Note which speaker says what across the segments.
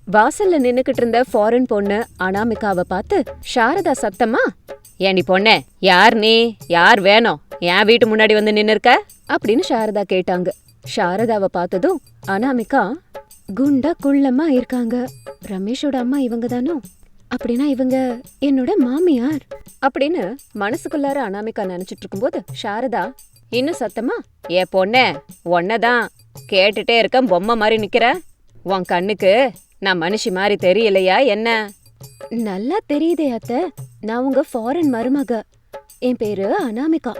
Speaker 1: வாசல்ல நின்னுக்கிட்டு இருந்த ஃபாரின் பொண்ணு அனாமிகாவை பார்த்து சாரதா சத்தமா, ஏண்டி பொண்ணே, யார் நீ, யார் வேணும், என் வீட்டு முன்னாடி வந்து நின்னு இருக்க அப்படின்னு சாரதா கேட்டாங்க. சாரதாவை பார்த்ததும் அனாமிகா, குண்டா குள்ளமா இருக்காங்க, ரமேஷோட அம்மா இவங்க தானோ, அப்படின்னா இவங்க என்னோட மாமியார் அப்படின்னு மனசுக்குள்ளார அனாமிகா நினைச்சிட்டு இருக்கும்போது சாரதா இன்னும் சத்தமா, ஏ பொண்ணே, ஒன்னதான் கேட்டுட்டே இருக்க, பொம்மை மாதிரி நிக்கிற, உன் கண்ணுக்கு நான் மனுஷி மாதிரி தெரியலையா என்ன? நல்லா தெரியுதே அத்தை, நான் உங்க ஃபாரின் மருமக, என் பேரு அனாமிகா.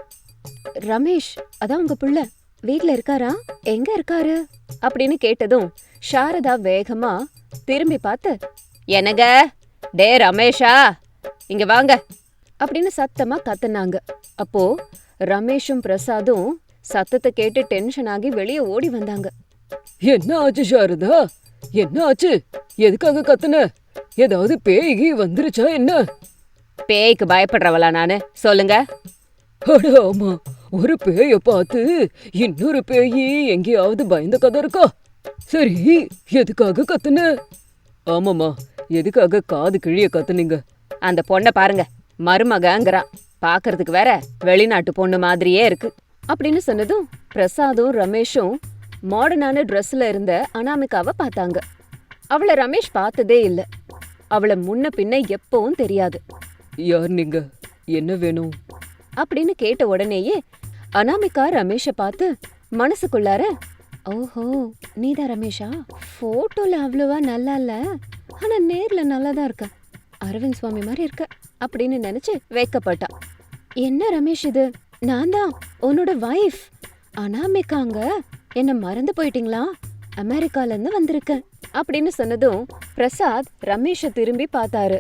Speaker 1: ரமேஷ் அதான் உங்க புள்ள வீட்ல இருக்காரா, எங்க இருக்காரு அப்படின்னு கேட்டதும் சாரதா வேகமா திரும்பி பார்த்து, என்னங்க, டே ரமேஷா, இங்க வாங்க அப்படின்னு சத்தமா கத்துனாங்க. அப்போ ரமேஷும் பிரசாதும் சத்தத்தை கேட்டு டென்ஷன் ஆகி வெளியே ஓடி வந்தாங்க.
Speaker 2: என்ன ஆச்சு சாரதா, என்ன ஆச்சு, எதுக்காக கத்துன, ஏதாவது பேய் வந்துருச்சா என்ன?
Speaker 1: பேய்க்கு பயப்படுறவளா நானு, சொல்லுங்க.
Speaker 2: அட ஆமா, ஒரு பேய பார்த்து இன்னொரு பேயி எங்கேயாவது பயந்த கதை இருக்கா? சரி, எதுக்காக கத்துன? ஆமாமா, எதுக்காக காது கிழிய கத்துனீங்க?
Speaker 1: அந்த பொண்ணை பாருங்க, மருமகங்கிறா, பாக்குறதுக்கு வேற வெளிநாட்டு பொண்ணு மாதிரியே இருக்கு அப்படின்னு சொன்னதும் பிரசாதும் ரமேஷும் மாடர்னான ட்ரெஸ்ல இருந்த அனாமிகாவை பார்த்தாங்க. அவளை ரமேஷ் பார்த்ததே இல்ல, அவளை முன்ன பின்ன எப்பவும் தெரியாது.
Speaker 2: யார் நீங்க, என்ன வேணும்
Speaker 1: அப்படின்னு கேட்ட உடனேயே அனாமிகா ரமேஷ பார்த்து மனசுக்குள்ளார, ஓஹோ நீதான் ரமேஷா, போட்டோல அவ்வளவா நல்லா இல்ல, ஆனா நேர்ல நல்லாதான் இருக்க, அரவிந்த் சுவாமி மாதிரி இருக்க அப்படின்னு நினைச்சு வைக்கப்பட்டா. என்ன ரமேஷ் இது, நான் தான் உன்னோட வைஃப் அனாமிகாங்க, என்ன மறந்து போயிட்டீங்களா, அமெரிக்கால இருந்து வந்திருக்கேன் அப்படின்னு சொன்னதும் பிரசாத் ரமேஷ திரும்பி பார்த்தாரு.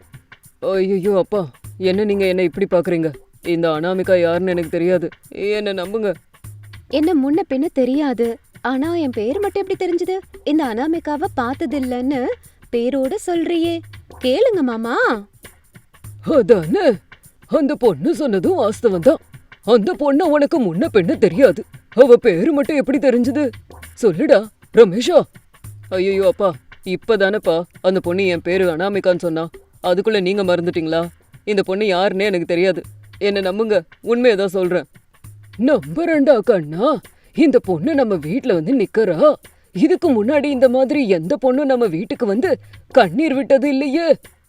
Speaker 2: ஐயோ அப்பா, என்ன நீங்க என்ன இப்படி பாக்குறீங்க? இந்த அனாமிகா யாருன்னு எனக்கு தெரியாது, என்ன நம்புங்க.
Speaker 1: என்ன முன்ன பின்ன தெரியாது, ஆனா என் பேர் மட்டும் எப்படி தெரிஞ்சது, இந்த அனாமிகாவை பார்த்ததில்லன்னு பேரோட சொல்றியே, கேளுங்க மாமா.
Speaker 2: அதானே, அந்த பொண்ணு சொன்னதும் வாஸ்தவம் தான். அந்த பொண்ணு உனக்கு முன்ன பெண்ண தெரியாது, அவ பேரு மட்டும் எப்படி தெரிஞ்சது, சொல்லுடா ரமேஷா. ஐயோ அப்பா, இப்பதானப்பா அந்த பொண்ணு என் பேரு அனாமிகான்னு சொன்னா, அதுக்குள்ள நீங்க மறந்துட்டீங்களா? இந்த பொண்ணு யாருன்னே எனக்கு தெரியாது, என்ன நம்புங்க, உண்மையதான் சொல்றேன். நம்புறேன்டா கண்ணா, இந்த பொண்ணு நம்ம வீட்டுல வந்து நிக்கறா, இதுக்கு முன்னாடி இந்த மாதிரி எந்த பொண்ணும் நம்ம வீட்டுக்கு வந்து கண்ணீர் விட்டது இல்லையே.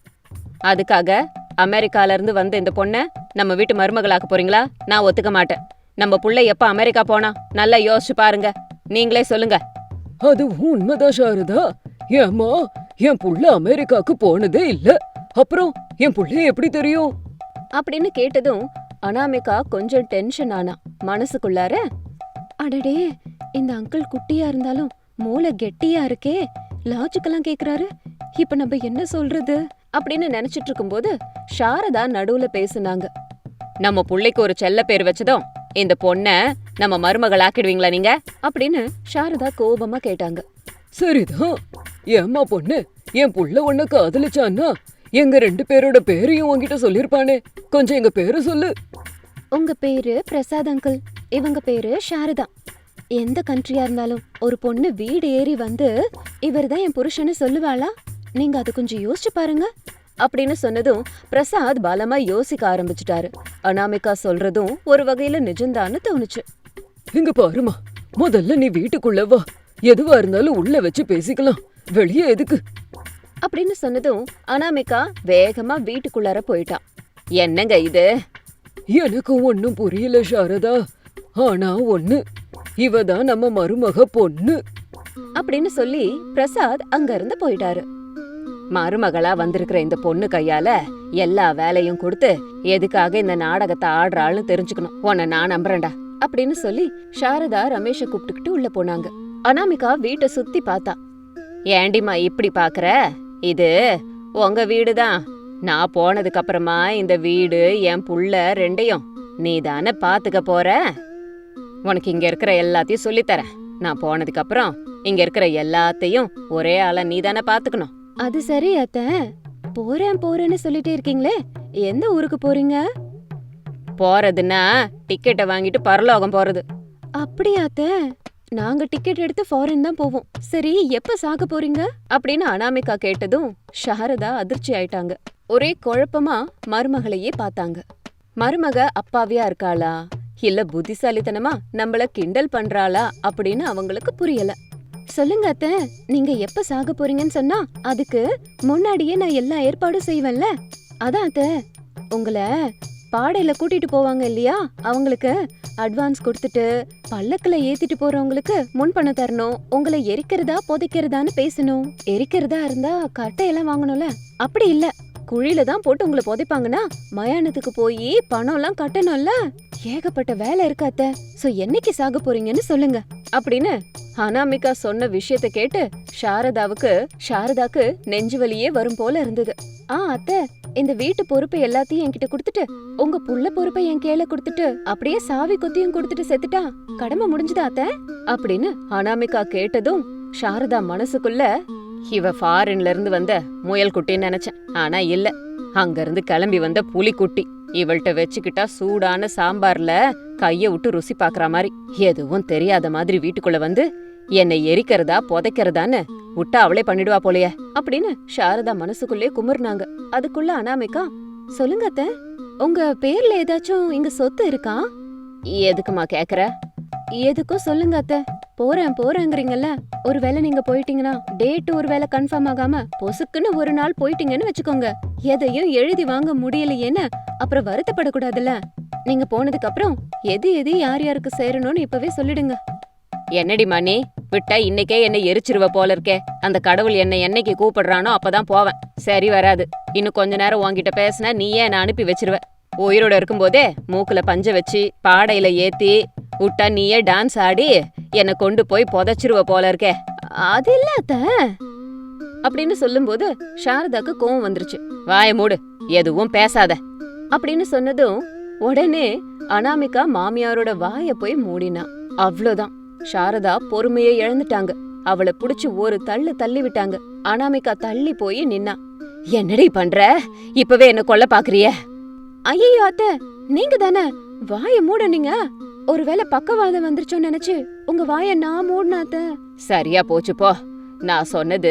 Speaker 1: அதுக்காக அமெரிக்கால இருந்து வந்த இந்த பொண்ண நம்ம வீட்டு மருமகளாக்க போறீங்களா? நான் ஒத்துக்க மாட்டேன். நம்ம புள்ள எப்ப அமெரிக்கா போனா நல்லா யோசிச்சு பாருங்க, நீங்களே சொல்லுங்க.
Speaker 2: அது உண்மைதான் சாரதா, ஏம்மா, என் புள்ள அமெரிக்காக்கு போனதே இல்ல, அப்புறம் என் புள்ளைய எப்படி தெரியும்
Speaker 1: அப்படின்னு கேட்டதும் அனாமிகா கொஞ்சம் டென்ஷன் ஆனா. மனசுக்குள்ளார, அடடே, இந்த அங்கிள் குட்டியா இருந்தாலும் மூளை கெட்டியா இருக்கே, லாஜிக்கெல்லாம் கேக்குறாரு, இப்ப நம்ம என்ன சொல்றது அப்படின்னு நினைச்சிட்டு இருக்கும்போது சாரதா நடுவுல பேசுனாங்க. நம்ம புள்ளைக்கு ஒரு செல்ல பேர் வச்சதும் இந்த பொண்ண நம்ம மருமகள் ஆக்கிடுவீங்களா நீங்க அப்படின்னு சாரதா கோபமா கேட்டாங்க.
Speaker 2: சரிதான், ஏம்மா பொண்ணு, என் புள்ள உன்ன காதலிச்சான்னா எங்க 2 பேரோட பேரையும் உன்கிட்ட சொல்லிருப்பானே, கொஞ்சம் எங்க பேரு சொல்லு.
Speaker 1: உங்க பேரு பிரசாத் அங்கிள், இவங்க பேரு சாரதா. எந்த கண்ட்ரியா இருந்தாலும் ஒரு பொண்ணு வீடு ஏறி வந்து இவர்தான் என் புருஷன்னு சொல்லுவாளா? நீங்க அது கொஞ்சம் யோசிச்சு பாருங்க அப்படின்னு சொன்னதும் பிரசாத் பலமா யோசிக்க ஆரம்பிச்சுட்டாரு. அனாமிகா சொல்றதும் ஒரு வகையில நிஜம்தான்னு தோணுச்சு.
Speaker 2: இங்க பாருமா, முதல்ல நீ வீட்டுக்குள்ள வா, எதுவா இருந்தாலும் உள்ள வச்சு பேசிக்கலாம், வெளியே எதுக்கு
Speaker 1: அப்படின்னு சொன்னதும் அனாமிகா வேகமா வீட்டுக்குள்ளார போயிட்டான். என்னங்க இது?
Speaker 2: எனக்கு ஒன்னும் புரியல சாரதா, ஆனா ஒண்ணு, இவதான் நம்ம மருமக பொண்ணு
Speaker 1: அப்படின்னு சொல்லி பிரசாத் அங்க இருந்து போயிட்டாரு. மருமகளா வந்திருக்கிற இந்த பொண்ணு கையால எல்லா வேலையும் கொடுத்து எதுக்காக இந்த நாடகத்தை ஆடுறாள்னு தெரிஞ்சுக்கணும், உன்னை நான் நம்புறேன்டா அப்படின்னு சொல்லி சாரதா ரமேஷ கூப்பிட்டுக்கிட்டு உள்ள போனாங்க. அனாமிகா வீட்டை சுத்தி பார்த்தா. ஏண்டிமா இப்படி பாக்குற, இது உங்க வீடுதான், நான் போனதுக்கு அப்புறமா இந்த வீடு என் புள்ள 2யும் நீ தானே பாத்துக்க போற, உனக்கு இங்க இருக்கிற எல்லாத்தையும் சொல்லித்தரேன், நான் போனதுக்கு அப்புறம் இங்க இருக்கிற எல்லாத்தையும் ஒரே ஆளா நீ தானே பாத்துக்கணும். அது சரி அத்த, போறேன் போறேன்னு சொல்லிட்டே இருக்கீங்களே, எந்த ஊருக்கு போறீங்க? போறதுன்னா டிக்கெட்டை வாங்கிட்டு பரலோகம் போறது. அப்படியா அத்த? நாங்க டிக்கெட் எடுத்து ஃபாரின் தான் போவோம். சரி எப்ப சாக போறீங்க அப்படின்னு அனாமிகா கேட்டதும் சாரதா அதிர்ச்சி ஆயிட்டாங்க. ஒரே குழப்பமா மருமகளையே பார்த்தாங்க. மருமக அப்பாவியா இருக்காளா இல்ல புத்திசாலித்தனமா நம்மள கிண்டல் பண்றாளா அப்படின்னு அவங்களுக்கு புரியல. சொல்லுங்க அத்தை, நீங்க எப்ப சாக போறீங்கன்னு சொன்னா அதுக்கு முன்னாடியே நான் எல்லா ஏற்பாடும் செய்வேன்ல. அதான் அத்தை, உங்களை பாடையில கூட்டிட்டு போவாங்க இல்லையா, அவங்களுக்கு அட்வான்ஸ் கொடுத்துட்டு பல்லக்குல ஏத்திட்டு போறவங்களுக்கு முன்பணம் தரணும். உங்களை எரிக்கிறதா புதைக்கிறதான்னு பேசணும். எரிக்கிறதா இருந்தா கட்டையெல்லாம் வாங்கணும்ல, அப்படி இல்ல குழியில தான் போட்டு உங்களை புதைப்பாங்கன்னா மயானத்துக்கு போய் பணம் எல்லாம் கட்டணும்ல. ஏகப்பட்ட வேலை இருக்காத்த. சோ என்னைக்கு சாக போறீங்கன்னு சொல்லுங்க அப்படின்னு அனாமிகா சொன்ன விஷயத்த கேட்டு சாரதாக்கு நெஞ்சு வலியே வரும் போல இருந்தது. அத்தை, இந்த வீட்டு பொறுப்பை எல்லாத்தையும் என்கிட்ட கொடுத்துட்டு உங்க புள்ள பொறுப்பை என் கையில கொடுத்துட்டு அப்படியே சாவி கொத்தியும் கொடுத்துட்டு செத்துட்டா கடமை முடிஞ்சுதா அத்தை அப்படின்னு அனாமிகா கேட்டதும் சாரதா மனசுக்குள்ள இவ ஃபாரின்ல இருந்து வந்த முயல் குட்டின்னு நினைச்சேன். ஆனா இல்ல, அங்க இருந்து கிளம்பி வந்த புலிக்குட்டி. இவள்கிட்ட வச்சுக்கிட்டா சூடான சாம்பார்ல கைய விட்டு ருசி பாக்குற மாதிரி எதுவும் தெரியாத மாதிரி வீட்டுக்குள்ள வந்து என்னை எரிக்கிறதா புதைக்கிறதான்னு விட்டா அவளே பண்ணிடுவா போலயே அப்படின்னு சாரதா மனசுக்குள்ளே குமுறினாங்க. அதுக்குள்ள அனாமிகா, சொல்லுங்க அத்தை, உங்க பேர்ல ஏதாச்சும் இங்க சொத்து இருக்கா? எதுக்குமா கேக்குற? எதுக்கும் சொல்லுங்க அத்தை. போறேங்கிறீங்கல்ல, ஒருவேளை நீங்க போயிட்டீங்கன்னா டேட் ஒருவேளை கன்ஃபார்ம் ஆகாம பொசுக்குன்னு ஒரு நாள் போயிட்டீங்கன்னு வச்சுக்கோங்க, எதையும் எழுதி வாங்க முடியலையேன்னு அப்புறம் வருத்தப்படக்கூடாதுல்ல. நீங்க போனதுக்கு அப்புறம் எது யார் யாருக்கு சேரணும்னு இப்பவே சொல்லிடுங்க. என்னடி மணி, விட்டா இன்னைக்கே என்னை எரிச்சிருவ போல இருக்கே. அந்த கடவுள் என்னை என்னைக்கு கூப்பிடுறானோ அப்பதான் போவேன். சரி வராது. இன்னும் கொஞ்ச நேரம் உன்கிட்ட பேசினா நீயே என்ன அனுப்பி வச்சிருவ. உயிரோட இருக்கும்போதே மூக்குல பஞ்ச வச்சு பாடையில ஏத்தி விட்டா நீயே டான்ஸ் ஆடி என்னை கொண்டு போய் புதைச்சிருவ போல இருக்கே. அது இல்ல அத்தை அப்படின்னு சொல்லும்போது சாரதாக்கு கோவம் வந்துருச்சு. வாய மூடு, எதுவும் பேசாத அப்படின்னு சொன்னதும் உடனே அனாமிகா மாமியாரோட வாய போய் மூடினா. அவ்வளவுதான், சாரதா பொறுமையை இழந்துட்டாங்க. அவளை புடிச்சு ஒரு தள்ளு தள்ளி விட்டாங்க. அனாமிகா தள்ளி போய் நின்னா. என்னடி பண்ற? இப்பவே என்ன கொல்ல பாக்குறிய? ஐயோ அத்தை, நீங்க தானே வாய மூடுனீங்க. ஒருவேளை பக்கவாதம் வந்துருச்சோன்னு நினைச்சு உங்க வாய நான் மூடினாத்த. சரியா போச்சு போ. நான் சொன்னது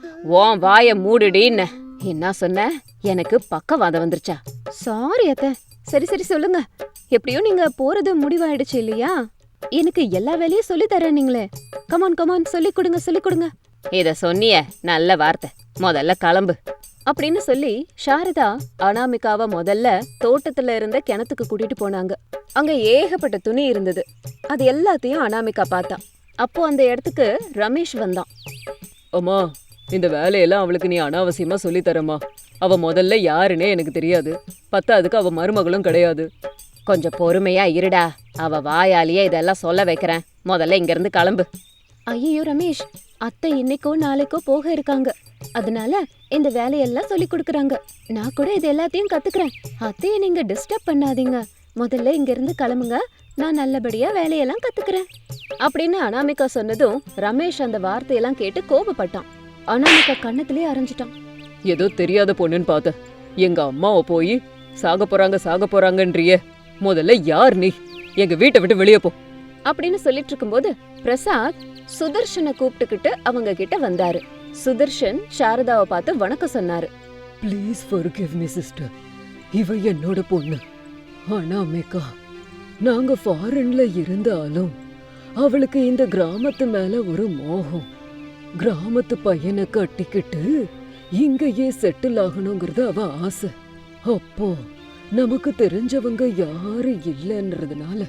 Speaker 1: உன் வாய மூடுடின்னு. என்ன சொன்ன? எனக்கு பக்கவாதம் வந்துருச்சா? சாரி அத்தை. சரி சொல்லுங்க. எப்படியோ நீங்க போறது முடிவாயிடுச்சு இல்லையா? எனக்கு எல்லா வேலையும் சொல்லி தரேன் நீங்களே. கமான் சொல்லி கொடுங்க. இத சொன்னிய நல்ல வார்த்தை. முதல்ல கிளம்பு அப்படின்னு சொல்லி சாரதா அனாமிகாவை முதல்ல தோட்டத்துல இருந்த கிணத்துக்கு கூட்டிட்டு போனாங்க. அங்க ஏகப்பட்ட துணி இருந்தது. அது எல்லாத்தையும் அனாமிகா பார்த்தா. அப்போ அந்த இடத்துக்கு ரமேஷ் வந்தான்.
Speaker 2: அம்மா, இந்த வேலையெல்லாம் அவளுக்கு நீ அனாவசியமா சொல்லி தரமா. அவ முதல்ல யாருன்னே எனக்கு தெரியாது. பத்தாதுக்கு அவ மருமகளும் கிடையாது.
Speaker 1: கொஞ்சம் பொறுமையா இருடா, அவ வாயாலேயே இதெல்லாம் சொல்ல வைக்கிறேன். முதல்ல இங்க இருந்து கிளம்பு. ஐயோ ரமேஷ், அத்தை இன்னைக்கோ நாளைக்கோ போக இருக்காங்க. அதனால இந்த வேலையெல்லாம் சொல்லி கொடுக்கறாங்க. நான் கூட இது எல்லாத்தையும் கத்துக்கிறேன். அத்தைய நீங்க டிஸ்டர்ப் பண்ணாதீங்க. முதல்ல இங்க இருந்து கிளம்புங்க, நான் நல்லபடியா வேலையெல்லாம் கத்துக்கிறேன் அப்படின்னு அனாமிகா சொன்னதும் ரமேஷ் அந்த வார்த்தையெல்லாம் கேட்டு கோபப்பட்டான். அனாமிகா கண்ணத்திலே அரைஞ்சிட்டான்.
Speaker 2: ஏதோ தெரியாத பொண்ணுன்னு பார்த்த. எங்க அம்மாவை போய் சாக போறாங்கன்றியே. முதல்ல யார் நீ? எங்க வீட்டை விட்டு வெளியே போ
Speaker 1: அப்படின்னு சொல்லிட்டு இருக்கும்போது பிரசாத் சுதர்ஷனை கூப்பிட்டுக்கிட்டு அவங்க கிட்ட வந்தாரு. சுதர்ஷன் சாரதாவை பார்த்து வணக்கம் சொன்னாரு.
Speaker 2: Please forgive me sister. இவ என்னோட பொண்ணு அனாமிகா. நாங்க ஃபாரின்ல இருந்தாலும் அவளுக்கு இந்த கிராமத்து மேல ஒரு மோகம். கிராமத்து பையனை கட்டிக்கிட்டு இங்கேயே செட்டில் ஆகணுங்கிறது அவ ஆசை. அப்போ நமக்கு தெரிஞ்சவங்க யாரு இல்லைன்றதுனால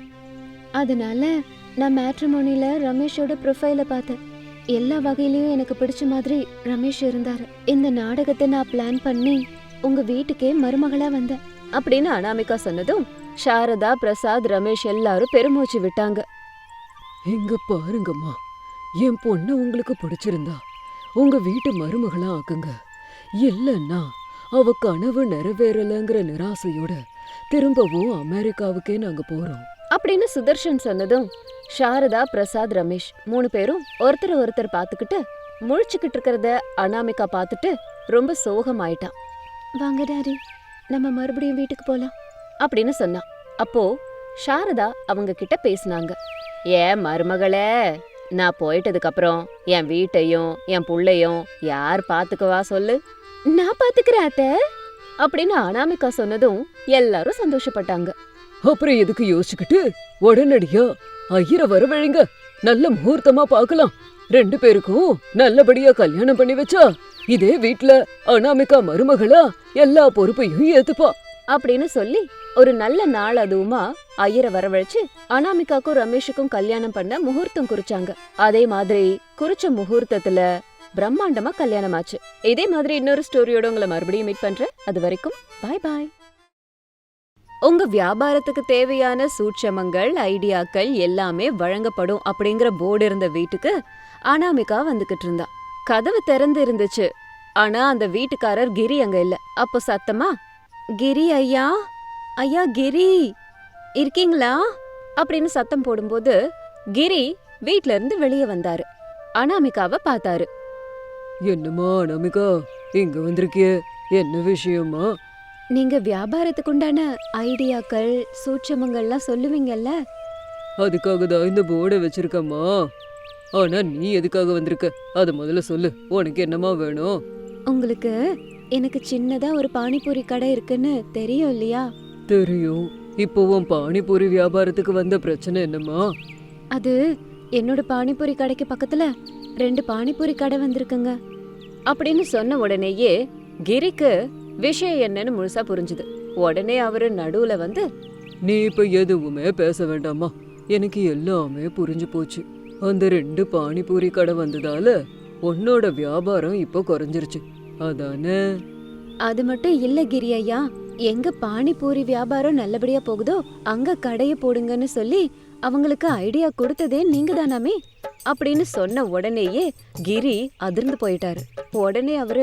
Speaker 2: நான் மேட்ரிமோனில ரமேஷோட ப்ரொஃபைல பார்த்தேன். எல்லா வகையிலயும் எனக்கு பிடிச்ச மாதிரி ரமேஷ் இருந்தாரு. இந்த நாடகத்தை நான் பிளான் பண்ணி உங்க வீட்டுக்கே மருமகளா வந்தேன் அப்படின்னு அனாமிகா சொன்னதும் சாரதா, பிரசாத், ரமேஷ் எல்லாரும் பெருமூச்சு விட்டாங்க. இங்க பாருங்கம்மா, என் பொண்ணு உங்களுக்கு பிடிச்சிருந்தா உங்க வீட்டு மருமகளா ஆக்குங்க. இல்லன்னா அவ கனவு நிறைவேறலங்கிற நிராசையோட திரும்பவும் அமெரிக்காவுக்கே நாங்க போறோம்
Speaker 1: அப்படின்னு சுதர்ஷன் சொன்னதும் சாரதா, பிரசாத், ரமேஷ் 3 பேரும் ஒருத்தர் பார்த்துக்கிட்டு முழிச்சுக்கிட்டு இருக்கிறத அனாமிகா பார்த்துட்டு ரொம்ப சோகமாயிட்டான். வாங்க டாடி, நம்ம மறுபடியும் வீட்டுக்கு போலாம் அப்படின்னு சொன்னான். அப்போ சாரதா அவங்க கிட்ட பேசினாங்க. ஏ மருமகளே, நான் போயிட்டதுக்கு அப்புறம் என் வீட்டையும் என் புள்ளையும் யார் பாத்துக்குவா சொல்லு? நான் பாத்துக்கிறேன் அத்தை அப்படின்னு அனாமிகா சொன்னதும் எல்லாரும் சந்தோஷப்பட்டாங்க.
Speaker 2: அப்புறம் எதுக்கு யோசிச்சுக்கிட்டு உடனடியா ஐயரை வரவழைங்க. நல்ல முகூர்த்தமா பார்க்கலாம். 2 பேருக்கும் நல்லபடியா கல்யாணம் பண்ணி வச்சா இதே வீட்ல அனாமிகா மருமகளா எல்லா பொறுப்பையும் ஏத்துப்பா
Speaker 1: அப்படின்னு சொல்லி ஒரு நல்ல நாள் அதுவுமா ஐயரை வரவழைச்சு அனாமிகாக்கும் ரமேஷுக்கும் கல்யாணம் பண்ண முகூர்த்தம் குறிச்சாங்க. அதே மாதிரி குறிச்ச முகூர்த்தத்துல பிரம்மாண்டமா கல்யாணம் ஆச்சு. இதே மாதிரி இன்னொரு ஸ்டோரியோட உங்களை மறுபடியும் மீட் பண்றேன். அது வரைக்கும் பாய் பாய். உங்க வியாபாரத்துக்கு தேவையான சூட்சமங்கள் ஐடியாக்கள் எல்லாமே வழங்கப்படும் அப்படிங்கிற போர்டு இருந்த வீட்டுக்கு அனாமிகா வந்துகிட்டு இருந்தா. கதவு திறந்து இருந்துச்சு. ஆனா அந்த வீட்டுக்காரர் கிரி அங்க இல்ல. அப்போ சத்தமா, கிரி ஐயா, ஐயா கிரி இருக்கீங்களா அப்படின்னு சத்தம் போடும்போது கிரி வீட்ல இருந்து வெளியே வந்தாரு. அனாமிகாவை பார்த்தாரு.
Speaker 2: என்னம்மா அனாமிகா, இங்க வந்திருக்கியே, என்ன விஷயமா?
Speaker 1: நீங்க வியாபாரத்துக்கு உண்டான ஐடியாக்கள் சூட்சமங்கள்லாம் சொல்லுவீங்கல்ல,
Speaker 2: அதுக்காக தான் இந்த போர்டை வச்சிருக்கம்மா. ஆனா நீ எதுக்காக வந்திருக்க அத முதல்ல சொல்லு. உனக்கு என்னம்மா வேணும்?
Speaker 1: உங்களுக்கு எனக்கு சின்னதா ஒரு பானிபூரி கடை இருக்குன்னு தெரியும் இல்லையா?
Speaker 2: தெரியும். இப்போ உன் பானிபூரி வியாபாரத்துக்கு வந்த பிரச்சனை என்னம்மா?
Speaker 1: அது என்னோட பானிபூரி கடைக்கு பக்கத்துல 2 பானிபூரி கடை வந்திருக்குங்க அப்படின்னு சொன்ன உடனேயே கிரிக்கு விஷயம் என்னன்னு முழுசா புரிஞ்சுது. உடனே அவரு நடுவுல வந்து,
Speaker 2: நீ இப்ப எதுவுமே பேச வேண்டாமா, எனக்கு எல்லாமே புரிஞ்சு போச்சு. அந்த 2 பானிபூரி கடை வந்ததால உன்னோட வியாபாரம் இப்போ குறைஞ்சிருச்சு, அதானே?
Speaker 1: அது மட்டும் இல்ல கிரி ஐயா, எங்க பானிபூரி வியாபாரம் நல்லபடியா போகுதோ அங்க கடைய போடுங்கன்னு சொல்லி அவங்களுக்கு ஐடியா கொடுத்ததே நீங்க தானாமே அப்படின்னு சொன்ன உடனேயே கிரி அதிர்ந்து போயிட்டாரு. உடனே அவரு,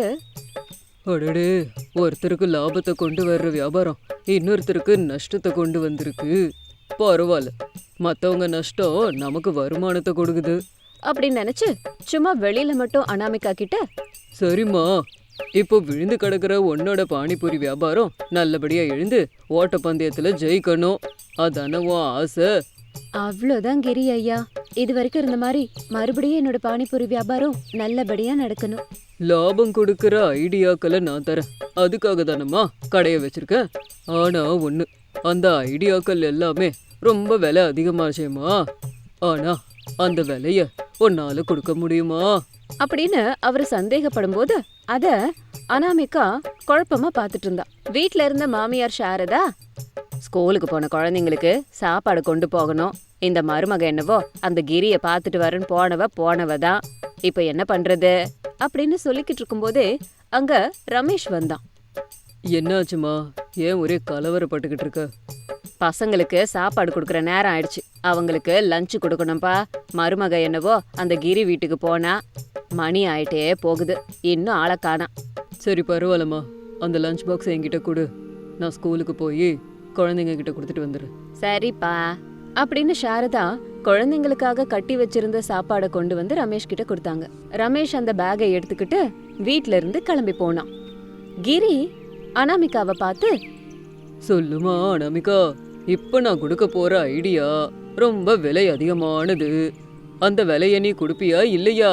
Speaker 2: அடடே, ஒருத்தருக்கு லாபத்தை கொண்டு வர்ற வியாபாரம் இன்னொருத்தருக்கு நஷ்டத்தை கொண்டு வந்திருக்கு. பரவாயில்ல, மத்தவங்க நஷ்டம் நமக்கு வருமானத்தை கொடுக்குது
Speaker 1: அப்படின்னு நினைச்சு சும்மா வெளியில மட்டும் அனாமிகா கிட்ட,
Speaker 2: சரிம்மா, இப்போ விழுந்து கிடக்குற உன்னோட பானிபூரி வியாபாரம் நல்லபடியா எழுந்து ஓட்டப்பந்தயத்துல ஜெயிக்கணும், அதானே உன் ஆசை?
Speaker 1: அவ்வளோதான் கிரி ஐயா, இது வரைக்கும் இருந்த மாதிரி மறுபடியும் என்னோட பானிபூரி வியாபாரம் நல்லபடியா நடக்கணும்.
Speaker 2: லாபம் கொடுக்கற ஐடியாக்களை நான் தரேன், அதுக்காக தானம்மா கடையை வச்சிருக்கேன். ஆனா ஒண்ணு, அந்த ஐடியாக்கள் எல்லாமே ரொம்ப விலை அதிகமாச்சேம்மா. ஆனா அந்த விலைய உன்னால கொடுக்க முடியுமா
Speaker 1: அப்படின்னு அவரு சந்தேகப்படும் போது அத அனாமிகா குழப்பமா பாத்துட்டு இருந்தா. வீட்ல இருந்த மாமியார் சாரதா, ஸ்கூலுக்கு போன குழந்தைங்களுக்கு சாப்பாடு கொண்டு போகணும், இந்த மருமக என்னவோ அந்த கிரிய பாத்துட்டு வரேன்னு போனவ தான், இப்ப என்ன பண்றது அப்படின்னு சொல்லிக்கிட்டு இருக்கும்போதே அங்க ரமேஷ் வந்தான்.
Speaker 2: என்னாச்சுமா, ஏன் ஒரே கலவரப்பட்டுக்கிட்டு இருக்க?
Speaker 1: பசங்களுக்கு சாப்பாடு கொடுக்குற நேரம் ஆயிடுச்சு, அவங்களுக்கு லஞ்ச் கொடுக்கணும்பா. மருமக என்னவோ அந்த கிரி வீட்டுக்கு போனா, மணி ஆயிட்டே போகுது, இன்னும் ஆளை காணோம்.
Speaker 2: சரி பரவாயில்லம்மா, அந்த லஞ்ச் பாக்ஸ் என்கிட்ட கொடு, நான் ஸ்கூலுக்கு போய் குழந்தைங்க கிட்ட கொடுத்துட்டு வந்துடுறேன்.
Speaker 1: சரிப்பா அப்படின்னு சாரதா குழந்தைங்களுக்காக கட்டி வச்சிருந்த சாப்பாடை கொண்டு வந்து ரமேஷ் கிட்ட கொடுத்தாங்க. ரமேஷ் அந்த பேக்கை எடுத்துக்கிட்டு வீட்ல இருந்து கிளம்பி போனான். கிரி அனாமிகாவை பார்த்து,
Speaker 2: சொல்லுமா அனாமிகா, இப்ப நான் கொடுக்க போற ஐடியா ரொம்ப விலை அதிகமானது, அந்த விலைய நீ கொடுப்பியா இல்லையா?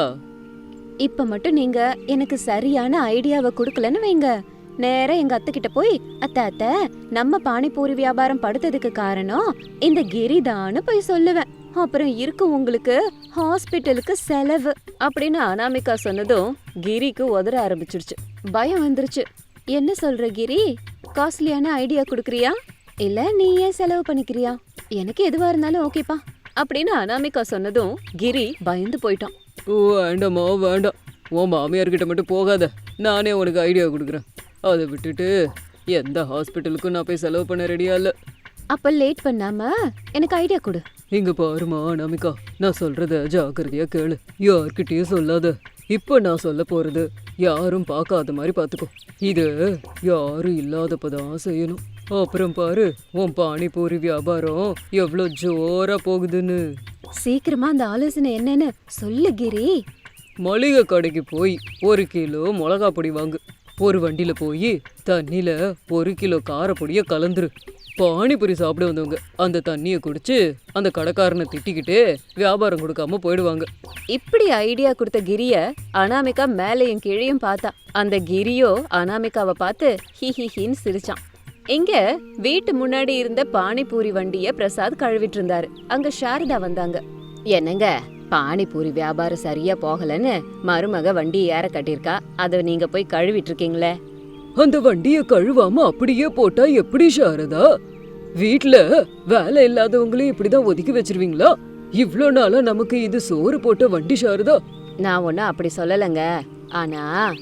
Speaker 1: இப்ப மட்டும் நீங்க எனக்கு சரியான ஐடியாவை கொடுக்கலன்னு வைங்க, நேரா எங்க அத்தை கிட்ட போய், அத்தை நம்ம பானிபூரி வியாபாரம் படுத்ததுக்கு காரணம் இந்த கிரிதான்னு போய் சொல்லுவேன். அப்புறம் இருக்கு உங்களுக்கு ஹாஸ்பிட்டலுக்கு செலவு அப்படின்னு அனாமிகா சொன்னதும் கிரிக்கு உதற ஆரம்பிச்சிருச்சு. பயம் வந்துருச்சு. என்ன சொல்ற கிரி, காஸ்ட்லியான ஐடியா கொடுக்குறியா இல்ல நீ ஏன் செலவு பண்ணிக்கிறியா? எனக்கு எதுவா இருந்தாலும் ஓகேப்பா அப்படின்னு அனாமிகா சொன்னதும் கிரி பயந்து போயிட்டான்.
Speaker 2: ஓ வேண்டாம்மா வேண்டாம், உன் மாமியார்கிட்ட மட்டும் போகாத, நானே உனக்கு ஐடியா கொடுக்குறேன். அதை விட்டுட்டு எந்த ஹாஸ்பிட்டலுக்கும் நான் போய் செலவு பண்ண ரெடியா இல்லை.
Speaker 1: அப்ப லேட் பண்ணாம எனக்கு ஐடியா கொடு.
Speaker 2: இங்க பாருமா அனாமிகா, நான் சொல்றத ஜாக்கிரதையா கேளு, யார்கிட்டயும் சொல்லாத. இப்ப நான் சொல்ல போறது யாரும் பார்க்காத மாதிரி பாத்துக்கோ. இது யாரும் இல்லாதப்பதான் செய்யணும். அப்புறம் பாரு, உன் பானிபூரி வியாபாரம் எவ்வளோ ஜோரா போகுதுன்னு.
Speaker 1: சீக்கிரமா அந்த ஆலோசனை என்னன்னு சொல்லு கிரி.
Speaker 2: மளிகை கடைக்கு போய் 1 கிலோ மிளகா பொடி வாங்கு. ஒரு வண்டியில போய் தண்ணியில 1 கிலோ காரப்பொடிய கலந்துரு. பானிபூரி சாப்பிட வந்தவங்க அந்த தண்ணியை குடிச்சு அந்த கடைக்காரனை திட்டிக்கிட்டு வியாபாரம் கொடுக்காம போயிடுவாங்க.
Speaker 1: இப்படி ஐடியா கொடுத்த கிரிய அனாமிகா மேலையும் கீழையும் பார்த்தா. அந்த கிரியோ அனாமிகாவை பார்த்து ஹிஹிஹின்னு சிரிச்சான். இங்க வீட்டு முன்னாடி இருந்த பானிபூரி வண்டிய பிரசாத் கழுவிட்டு இருந்தாரு. அங்க சாரதா வந்தாங்க. என்னங்க, பானிபூரி வியாபாரம் சரியா போகலன்னு மருமக வண்டி ஏற கட்டிருக்கா, அத நீங்க போய் கழுவிட்டு இருக்கீங்களே.
Speaker 2: அந்த வண்டியை கழுவாம அப்படியே போட்டா எப்படி சாரதா? வீட்ல வேலை இல்லாதவங்களையும் இப்படிதான் ஒதுக்கி வச்சிருவீங்களா? இவ்ளோ நாளா நமக்கு இது சோறு போட்ட வண்டி சாரதா.
Speaker 1: நான் ஒன்னும் அப்படி சொல்லலைங்க. ஆனா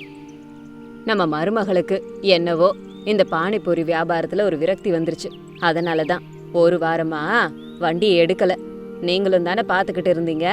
Speaker 1: நம்ம மருமகளுக்கு என்னவோ இந்த பானிபூரி வியாபாரத்துல ஒரு விரக்தி வந்துருச்சு. அதனாலதான் ஒரு வாரமா வண்டியை எடுக்கல. நீங்களும் தானே பாத்துக்கிட்டு இருந்தீங்க.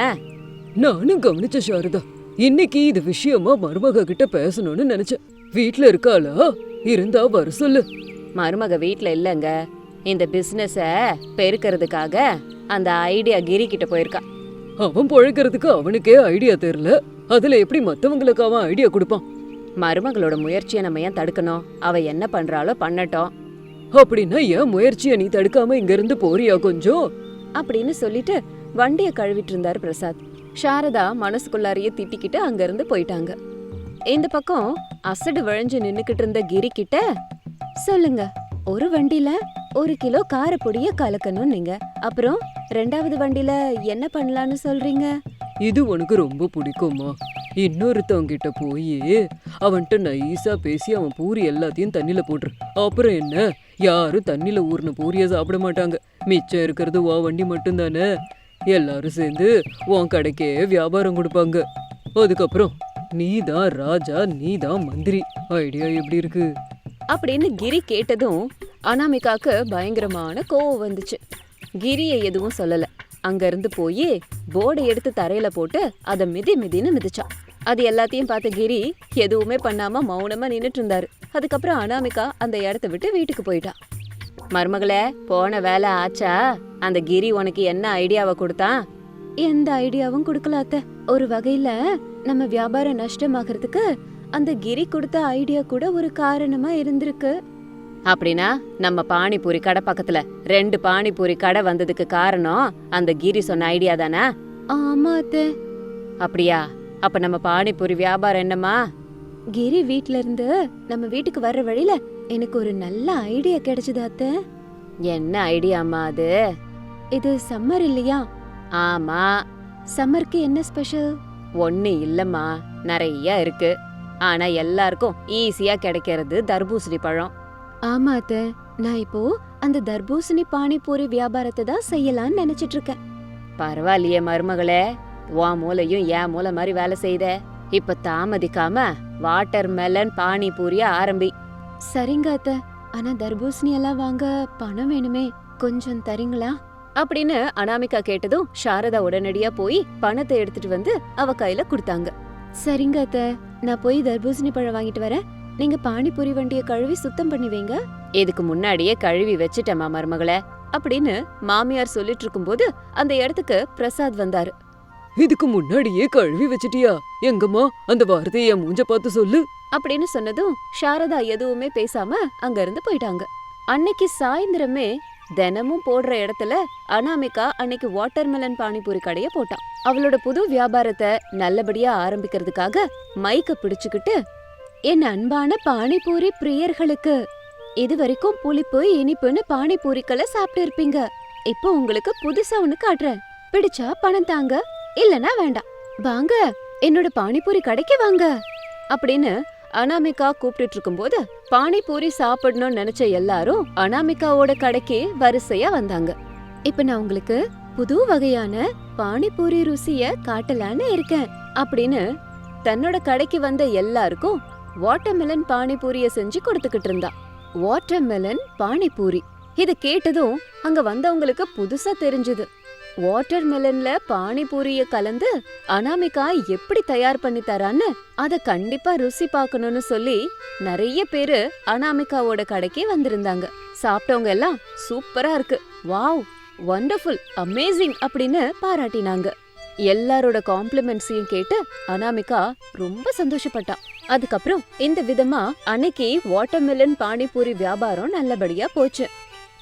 Speaker 2: நானும் கவனிச்ச சாரதா. இன்னைக்கு இது விஷயமா மருமக கிட்ட பேசணும்னு நினைச்சேன். வீட்ல இருக்காளா? இருந்தா வர சொல்லு.
Speaker 1: மருமக வீட்ல இல்லங்க. இந்த பிசினஸ பெருக்கிறதுக்காக அந்த ஐடியா கிரி கிட்ட போயிருக்கா.
Speaker 2: அவன் பொழைக்கிறதுக்கு அவனுக்கே ஐடியா தெரியல, அதுல எப்படி மத்தவங்களுக்கு அவன் ஐடியா கொடுப்பான்?
Speaker 1: மருமகளோட முயற்சியை நம்ம ஏன் தடுக்கணும்? அவ என்ன பண்றாளோ பண்ணட்டும்.
Speaker 2: அப்படின்னா ஏன் முயற்சியை நீ தடுக்காம இங்க இருந்து போறியா கொஞ்சம்?
Speaker 1: அப்படின்னு சொல்லிட்டு வண்டியை கழுவிட்டு இருந்தாரு பிரசாத். சாரதா மனசுக்குள்ளாரையே திட்டிக்கிட்டு அங்க இருந்து போயிட்டாங்க. இந்த பக்கம் அசடு விழைஞ்சு நின்னுக்கிட்டு இருந்த கிரி கிட்ட, சொல்லுங்க, ஒரு வண்டில 1 கிலோ காரப்பொடிய கலக்கணும் நீங்க, அப்புறம் 2வது வண்டில என்ன பண்ணலான்னு சொல்றீங்க?
Speaker 2: இது உனக்கு ரொம்ப பிடிக்குமா? இன்னொருத்தவங்கிட்ட போய் அவன்கிட்ட நைஸா பேசி அவன் பூரி எல்லாத்தையும் தண்ணில போட்டுரு. அப்புறம் என்ன, யாரும் தண்ணில ஊர்ன பூரிய சாப்பிட மாட்டாங்க. மிச்சம் இருக்கிறது உன் வண்டி மட்டும்தானே. எல்லாரும் சேர்ந்து உன் கடைக்கே வியாபாரம் கொடுப்பாங்க. அதுக்கப்புறம் நீதான் ராஜா, நீதான் மந்திரி. ஐடியா எப்படி இருக்கு?
Speaker 1: அப்படின்னு கிரி கேட்டதும் அனாமிகாக்கு பயங்கரமான கோவம் வந்துச்சு. கிரிய எதுவும் சொல்லல. அங்க இருந்து போய் போர்டை எடுத்து தரையில போட்டு அதை மிதின்னு மிதிச்சான். அது எல்லாத்தையும் பார்த்த கிரி எதுவுமே பண்ணாம மௌனமா நின்னுட்டு இருந்தாரு. அதுக்கப்புறம் அனாமிகா அந்த இடத்த விட்டு வீட்டுக்கு போயிட்டா. மருமகளே, போன வேலை ஆச்சா? அந்த கிரி உனக்கு என்ன ஐடியாவை கொடுத்தான்? எந்த ஐடியாவும் கொடுக்கல அத்தை. ஒரு வகையில நம்ம வியாபாரம் நஷ்டமாகறதுக்கு அந்த கிரி கொடுத்த ஐடியா கூட ஒரு காரணமா இருந்திருக்கு. அப்படின்னா நம்ம பானிபூரி கடை பக்கத்துல 2 பானிபூரி கடை வந்ததுக்கு காரணம் அந்த கிரி சொன்ன ஐடியா தானே? ஆமா அத்தை. அப்படியா? அப்ப நம்ம பானிபூரி வியாபாரம் என்னமா? கிரி வீட்ல இருந்து நம்ம வீட்டுக்கு வர்ற வழியில எனக்கு ஒரு நல்ல ஐடியா கிடைச்சது அத்தை. என்ன ஐடியாமா அது? இது சம்மர் இல்லையா? ஆமா. சம்மருக்கு என்ன ஸ்பெஷல்? ஒண்ணு இல்லம்மா, நிறைய இருக்கு. ஆனா எல்லாருக்கும் ஈஸியா கிடைக்கிறது தர்பூசணி பழம். ஆமா அத்தை, நான் இப்போ அந்த தர்பூசணி பானிபூரி வியாபாரத்தை தான் செய்யலாம்னு நினைச்சிட்டு இருக்கேன். பரவாயில்லையே மருமகளே, உன் மூளையும் என் மூளை மாதிரி வேலை செய்த. இப்ப தாமதிக்காம வாட்டர் மெலன் பானிபூரிய ஆரம்பி. சரிங்க அத்தை, ஆனா தர்பூசணி எல்லாம் வாங்க பணம் வேணுமே, கொஞ்சம் தரீங்களா? அப்படின்னு அனாமிகா கேட்டதும் சாரதா உடனடியா போய் பணத்தை எடுத்துட்டு வந்து அவ கையில கொடுத்தாங்க. சரிங்க அத்தை, நான் போய் தர்பூசணி பழம் வாங்கிட்டு வரேன். நீங்க பானிபூரி வண்டியை கழுவி சுத்தம் பண்ணி வைங்க. இதுக்கு முன்னாடியே கழுவி வச்சிட்டேமா மருமகளே அப்படின்னு மாமியார் சொல்லிட்டு இருக்கும்போது அந்த இடத்துக்கு பிரசாத் வந்தாரு.
Speaker 2: இதுக்கு முன்னாடியே கழுவி வச்சிட்டியா? எங்கம்மா அந்த வார்த்தையை என் மூஞ்ச பார்த்து சொல்லு
Speaker 1: அப்படின்னு சொன்னதும் சாரதா எதுவுமே பேசாம அங்க இருந்து போயிட்டாங்க. அன்னைக்கு சாயந்தரமே தினமும் போடுற இடத்துல அனாமிகா அன்னைக்கு வாட்டர்மெலன் பானிபூரி கடைய போட்டான். அவளோட புது வியாபாரத்தை நல்லபடியா ஆரம்பிக்கிறதுக்காக மைக்க பிடிச்சுக்கிட்டு, என் அன்பான பானிபூரி பிரியர்களுக்கு, இது வரைக்கும் புளிப்பு இனிப்புன்னு பானிபூரிக்களை சாப்பிட்டு இருப்பீங்க. இப்போ உங்களுக்கு புதுசா ஒண்ணு காட்டுறேன். பிடிச்சா பணம் தாங்க, இல்லனா வேண்டாம். வாங்க என்னோட பானிபூரி கடைக்கு வாங்க அப்படின்னு அனாமிகா கூப்பிட்டு இருக்கும்போது பானிபூரி சாப்பிடணும்னு நினைச்ச எல்லாரும் அனாமிகாவோட கடைக்கு வரிசையா வந்தாங்க. இப்ப நான் உங்களுக்கு புது வகையான பானிபூரி ருசிய காட்டலான்னு இருக்கேன் அப்படின்னு தன்னோட கடைக்கு வந்த எல்லாருக்கும் வாட்டர்மெலன் பானிபூரிய செஞ்சு கொடுத்துக்கிட்டு இருந்தா. வாட்டர்மெலன் பானிபூரி இது கேட்டதும் அங்க வந்தவங்களுக்கு புதுசா தெரிஞ்சது. வாட்டர்மெலன்ல பானிபூரிய கலந்து அனாமிகா எப்படி தயார் பண்ணி தரான்னு அத கண்டிப்பா ருசி பார்க்கணும்னு சொல்லி நிறைய பேரு அனாமிகாவோட கடைக்கு வந்திருந்தாங்க. சாப்பிட்டவங்க எல்லாம் சூப்பரா இருக்கு, வாவ், வண்டர்ஃபுல், அமேசிங் அப்படின்னு பாராட்டினாங்க. எல்லாரோட காம்ப்ளிமெண்ட்ஸையும் கேட்டு அனாமிகா ரொம்ப சந்தோஷப்பட்டா. அதுக்கப்புறம் இந்த விதமா அன்னைக்கு வாட்டர்மெலன் பானிபூரி வியாபாரம் நல்லபடியா போச்சு.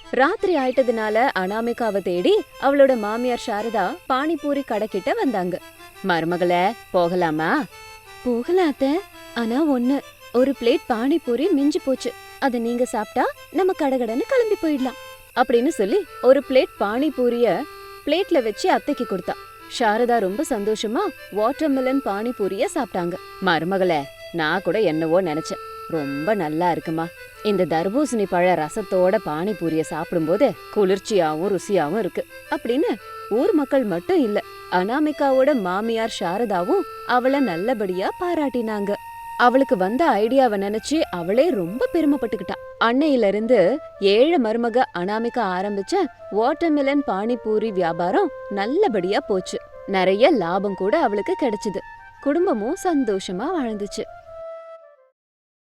Speaker 1: ராத்திரி ஆயிட்டதுனால அனாமிகாவை தேடி அவளோட மாமியார் சாரதா பானிபூரி கடைக்கிட்ட வந்தாங்க. மருமகளே, போகலாமா? போகலாத்த, ஆனா ஒரு பிளேட் பானிபூரி மிஞ்சி போச்சு. அத நீங்க சாப்பிட்டா நம்ம கடகடன்னு கிளம்பி போயிடலாம் அப்படின்னு சொல்லி ஒரு பிளேட் பானிபூரிய பிளேட்ல வச்சு அத்தைக்கு கொடுத்தா. சாரதா ரொம்ப சந்தோஷமா வாட்டர்மெலன் பானிபூரிய சாப்பிட்டாங்க. மருமகளே, நான் கூட என்னவோ நினைச்சேன், ரொம்ப நல்லா இருக்குமா. இந்த தர்பூசணி பழ ரசத்தோட பானிபூரிய சாப்பிடும்போது குளிர்ச்சியாவும் ருசியாவும் இருக்கு அப்படின்னு ஊர் மக்கள் மட்டும் இல்ல, அனாமிகாவோட மாமியார் சாரதாவும் அவளை நல்லபடியா பாராட்டினாங்க. அவளுக்கு வந்த ஐடியாவை நினைச்சு அவளே ரொம்ப பெருமைப்பட்டுக்கிட்டா. அன்னையில இருந்து ஏழை மருமக அனாமிகா ஆரம்பிச்ச வாட்டர்மெலன் பானிபூரி வியாபாரம் நல்லபடியா போச்சு. நிறைய லாபம் கூட அவளுக்கு கிடைச்சது. குடும்பமும் சந்தோஷமா வாழ்ந்துச்சு.